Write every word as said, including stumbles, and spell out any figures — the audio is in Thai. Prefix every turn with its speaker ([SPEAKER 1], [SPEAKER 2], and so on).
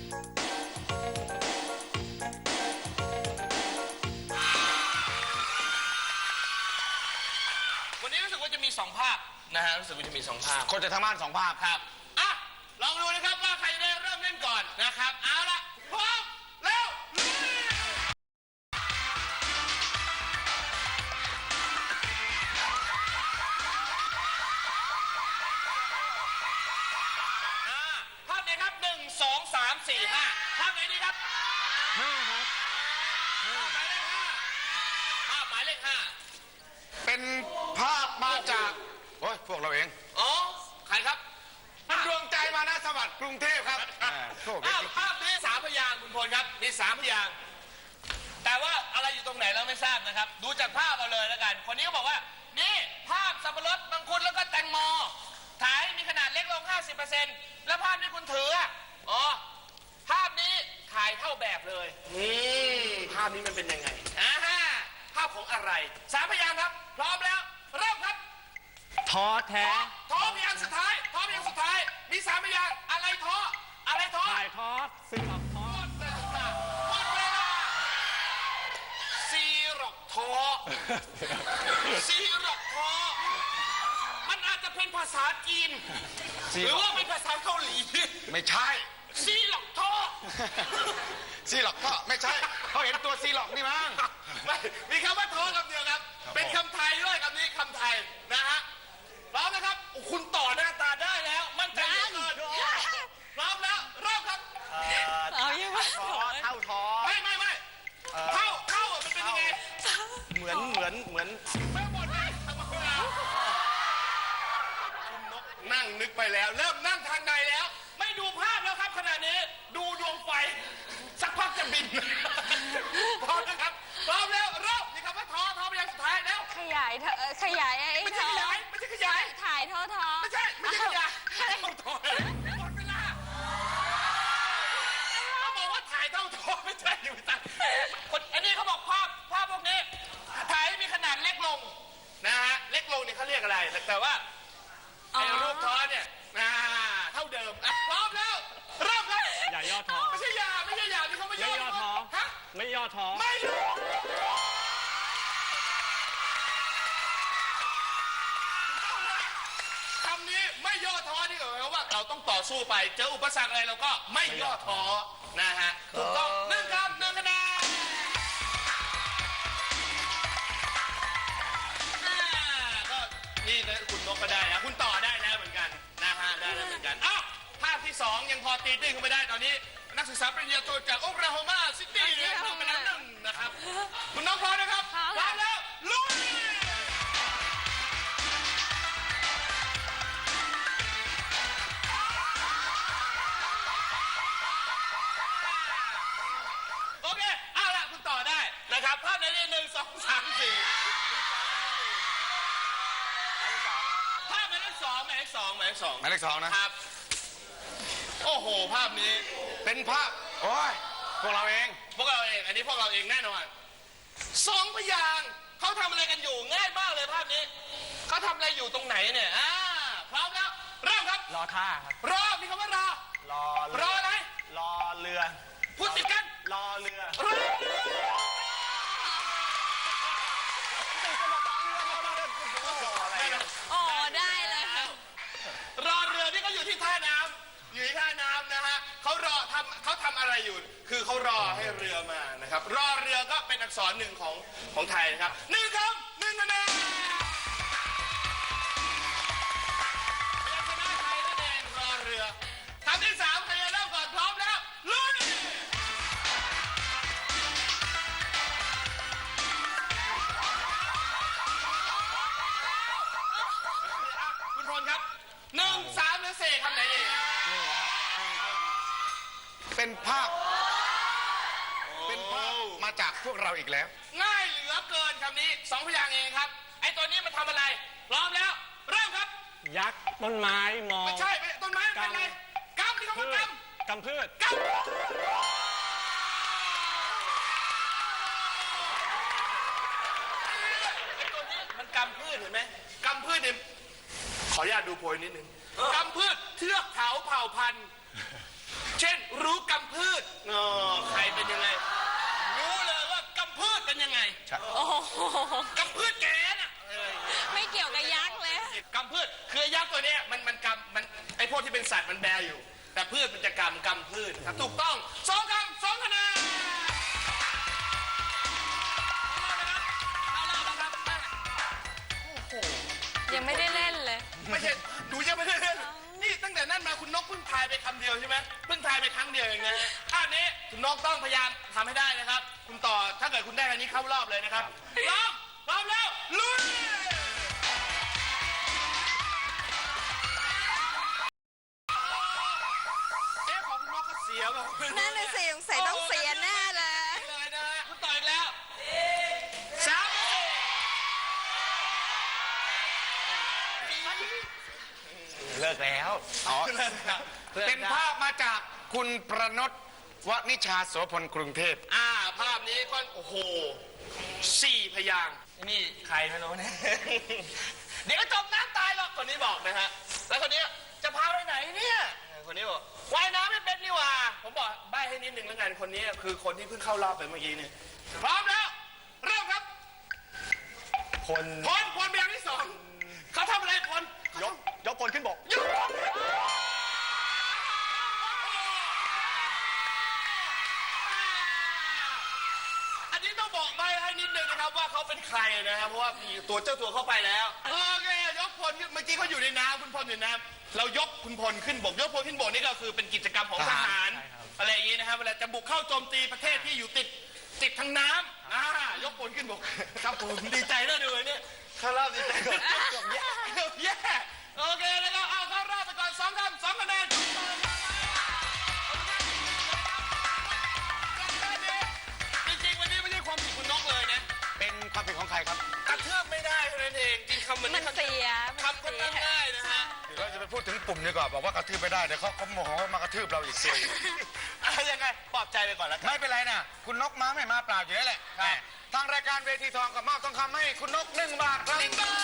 [SPEAKER 1] วันนี้รู้สึกว่าจะมีสองภาพนะฮะรู้สึกว่าจะมีสองภาพ
[SPEAKER 2] คนจะทำบ้านสองภาพ
[SPEAKER 1] ครับอ่ะลองดูนะครับว่าใครได้เริ่มเล่นก่อนนะครับเอาละพร้อมแล้วภาพไหนครับหนึ่งสองสามสี่ห้าภาพไหนดีครับ
[SPEAKER 2] ห้าครับ
[SPEAKER 1] ภาพหมายเลขห้าภาพหมายเลขห้า
[SPEAKER 2] เป็นภาพมาจากโอ้ยพวกเราเอง
[SPEAKER 1] อ๋อใครครับ
[SPEAKER 2] ดวงใจมานะสวัสดิ์กรุงเทพครับ
[SPEAKER 1] ภาพนี้สามพยางค์คุณพลครับมีสามพยางค์แต่ว่าอะไรอยู่ตรงไหนเราไม่ทราบนะครับดูจากภาพเอาเลยแล้วกันคนนี้ก็บอกว่านี่ภาพสับปะรดมังคุดแล้วก็แตงโมถ่ายมีขนาดเล็กลง ห้าสิบเปอร์เซ็นต์ แล้วภาพที่คุณถืออ๋อภาพนี้ถ่ายเท่าแบบเลยอืมภาพนี้มันเป็นยังไงอ่าภาพของอะไรสามพยางค์ครับพร้อมแล้วเริ่มครับ
[SPEAKER 3] ท้อแท้
[SPEAKER 1] ท้อพยางค์สุดท้ายท้อพยางค์สุดท้ายมีสามพยางค์อะไรท้ออะไรท้อ
[SPEAKER 3] ถ่ายทอดซึ่งออกท้อ
[SPEAKER 1] หมดเวลาหมดเวลาซีรอกท้อซีรอกท้อมันอาจจะเป็นภาษาจีนหรือว่าเป็นภาษาเกาหลี
[SPEAKER 2] ไม่ใช่
[SPEAKER 1] ซีหลอกท้อ
[SPEAKER 2] ซีหลอกก็ไม่ใช่เขาเห็นตัวซีหลอกนี่มั้ง
[SPEAKER 1] ไม่มีคำว่าท้อคำเดียวครับเป็นคำไทยด้วยคำนี้คำไทยนะฮะพร้อมนะครับคุณต่อหน้าตาได้แล้วมั่นใจเหลือเกินพร้อมแล้วเริ่มครับ
[SPEAKER 3] เอายังไง
[SPEAKER 2] เท่าท้อ
[SPEAKER 1] ไม่ไม่ไม่เท่าเท่ามันเป็นยังไง
[SPEAKER 2] เหมือนเหมือนเหมือน
[SPEAKER 1] ไม่หมดเลยคุณนกนั่งนึกไปแล้วเริ่มนั่งทางใดแล้วไม่ดูภาพแล้วครับขณะนี้ดูดวงไฟสักพักจะบินพร้อมนะครับพร้อมแล้วเริ่มนี่คำว่าท้อท้อไปยังสุดท้ายแล้ว
[SPEAKER 4] ขยายเถอะขยายไอ้
[SPEAKER 1] ไม่ใช่ขยายไม่ใช่ขยาย
[SPEAKER 4] ถ่ายท้อท้อ
[SPEAKER 1] ไม่ใช่ไม่ใช่ขยายท้อหมดเวลาเขาบอกว่าถ่ายเท่าท้อไม่ใช่ไม่ใช่คนอันนี้เขาบอกภาพภาพพวกนี้ถ่ายให้มีขนาดเล็กลงนะฮะเล็กลงเนี่ยเขาเรียกอะไรแต่ว่าไอ้รูปท้อเนี่ยเท่าเดิมพร้อมแล้วเริ่มครับ
[SPEAKER 3] อย่าย่อท้อ
[SPEAKER 1] ไม่ใช่อย่าไม่ใช่อย่าที่เขาไม่ย่อท้อ
[SPEAKER 3] ฮะไม่ย่อท้อ
[SPEAKER 1] ไม่ย่อคำนี้ไม่ย่อท้อนี่หมายความว่าเราต้องต่อสู้ไปเจออุปสรรคอะไรเราก็ไม่ย่อท้อนะฮะถูกต้องหนึ่งคำหนึ่งคะแนนก็นี่คุณนกก็ได้นะคุณต่อได้แล้วเหมือนกันนะฮะได้แล้วเหมือนกันอ้าวภาพที่สองยังพอตีตื้นขึ้นไปได้ตอนนี้นักศึกษาปริญญาโทจากโอคลาโฮมาซิตี้เนี่ยทำไปแล้วหนึ่งนะครับคุณน้องพร้อมนะครับพร้อมแล้วลุยโอเคเอาละคุณต่อได้นะครับภาพไหนนี่หนึ่งสองสามสี่ภาพหมายเลขสองหมายเลขสองหมายเลขสอง
[SPEAKER 2] หมายเลขสองนะครับ
[SPEAKER 1] โอ้โหภาพนี้
[SPEAKER 2] เป็นภาพโอ้ยพวกเราเอง
[SPEAKER 1] พวกเราเองอันนี้พวกเราเองแน่นอนสองพยางค์เขาทำอะไรกันอยู่ง่ายมากเลยภาพนี้เขาทำอะไรอยู่ตรงไหนเนี่ยอ่าพร้อมแล้วเริ่มครับ
[SPEAKER 3] รอท่าครับ
[SPEAKER 1] รอมีคำว่ารอ
[SPEAKER 3] รอ
[SPEAKER 1] รออะไร
[SPEAKER 3] รอเรือ
[SPEAKER 1] พูดติดกัน
[SPEAKER 3] รอเรือ
[SPEAKER 1] รอ
[SPEAKER 4] โอ้ได้เลย
[SPEAKER 1] รอเรือที่เขาอยู่ที่ท่าน้ำอยู่ที่ท่าน้ำนะฮะเขารอทำเขาทำอะไรอยู่คือเขารอให้เรือมานะครับรอเรือก็เป็นอักษรหนึ่งของของไทยนะครับหนึ่งคำหนึ่งคะแนนชนะไทยนั่นเองรอเรือคำที่สามใครจะเริ่มก่อนพร้อมแล้วลุยคุณพลครับหนึ่งสามหรือสี่คำไหนดี
[SPEAKER 2] เป็นภาพเป็นภาพมาจากพวกเราอีกแล้ว
[SPEAKER 1] ง่ายเหลือเกินคำนี้สองพยางค์เองครับไอ้ตัวนี้มันทำอะไรพร้อมแล้วเริ่มครับ
[SPEAKER 3] ยักษ์ต้นไม้มอง
[SPEAKER 1] ไม่ใช่ต้นไม้เป็นอะไรกำนี่คำว่าก
[SPEAKER 3] ำกำพืช
[SPEAKER 1] กำไอ้ตัวนี้มันกำพืชเห็นไหมกำพืชเนี่ยขออนุญาตดูโพยนิดนึงกำพืชเทือกเขาเผ่าพันธุ์เช่นรู้กำพื
[SPEAKER 4] โอ้โห
[SPEAKER 1] กำพืชแกน่ะเออ
[SPEAKER 4] ไม่เกี่ยวกับยักษ์เลย
[SPEAKER 1] กำพืชคือไอ้ยักษ์ตัวเนี้ยมันมันกำมันไอพวกที่เป็นสัตว์มันแบอยู่ แต่พืชมันจะกำกำพืชครับถูกต้องสองคำสองคะแนนเอาล่ะนะครับเอาล่ะนะครับโอ้โห
[SPEAKER 4] ยังไม่ได้เล่นเลย
[SPEAKER 1] ไม่ใช่หนูยังไม่ได้เล่นนี่ตั้งแต่นั้นมาคุณนกเพิ่งทายไปคำเดียวใช่ไหมเพิ่งทายไปครั้งเดียวเองนะฮะอันนี้คุณนกต้องพยายามทำให้ได้นะครับ คุณต่อถ้าเกิดคุณได้อันนี้เข้ารอบเลยนะครับพร้อมพร้อมแล้วลุยเอ๊ะของคุณนกก็เสียบอก
[SPEAKER 4] นั่นน่ะสิสงสัยต้องเสียแน่เลย
[SPEAKER 1] เลยนะฮะคุณต่ออีกแล้วสาม
[SPEAKER 3] เลิกแล้ว
[SPEAKER 2] อ๋อเป็นภาพมาจากคุณประนตวนิชาโสพลกรุงเทพ
[SPEAKER 1] อ่าภาพนี้ก็โอ้โหสี่พยางค์นี่ใครไม่รู้นะ เดี๋ยวก็จมน้ำตายหรอกคนนี้บอกนะฮะแล้วคนนี้จะพาไปไหนเนี่ยคนนี้บอกว่ายน้ำไม่เป็นนี่หว่าผมบอกใบ้ให้นิดนึงแล้วกันคนนี้คือคนที่เพิ่งเข้ารอบไปเมื่อกี้เนี่ยพร้อมแล้วเริ่มครับ
[SPEAKER 3] คน
[SPEAKER 1] พลพลพยางค์ที่สองเขาทำอะไรพล
[SPEAKER 3] ยกยกพลขึ้นบก
[SPEAKER 1] หยุดอันนี้ต้องบอกใบ้ให้นิดนึงนะครับว่าเขาเป็นใครนะครับเพราะว่ามีตัวเจ้าตัวเข้าไปแล้วโอเคยกพลขึ้นเมื่อกี้เขาอยู่ในน้ำคุณพลอยู่ในน้ำเรายกคุณพลขึ้นบกยกพลขึ้นบกนี่ก็คือเป็นกิจกรรมของทหารอะไรอย่างนี้นะครับเวลาจะบุกเข้าโจมตีประเทศที่อยู่ติดติดทางน้ำอ่ายกพลขึ้นบกครับผมดีใจน่าดูเนี่ยเข้ารอบดีใจก่อนจบแย่จบแย่โอเคแล้วก็เอาเข้ารอบไปก่อนสองคำสองคะแนนจริงๆวันนี้ไม่ใช่ความผิดคุณนกเลยนะ
[SPEAKER 2] เป็นความผิดของใครครับ
[SPEAKER 1] กระเทือบไม่ได้เท่านั้นเองจริงคำมัน
[SPEAKER 4] มันเสีย
[SPEAKER 1] คำก็ตั้งได้นะฮะ
[SPEAKER 2] เดี๋ยวเราจะไปพูดถึงปุ่มดีกว่าบอกว่ากระทืบไม่ได้เดี๋ยวเขาเขาโมโหมากระทืบเราอีกสิ
[SPEAKER 1] เอายังไงปลอบใจไปก่อนแล้วกัน
[SPEAKER 2] ไม่เป็นไรนะคุณนกมาไม่มาเปล่าอยู่แล้วแหละ
[SPEAKER 1] ครับ
[SPEAKER 2] ทางรายการเวทีทองกับมอบทองคำให้คุณนกหนึ่งบาทครับ
[SPEAKER 1] หนึ่งบาท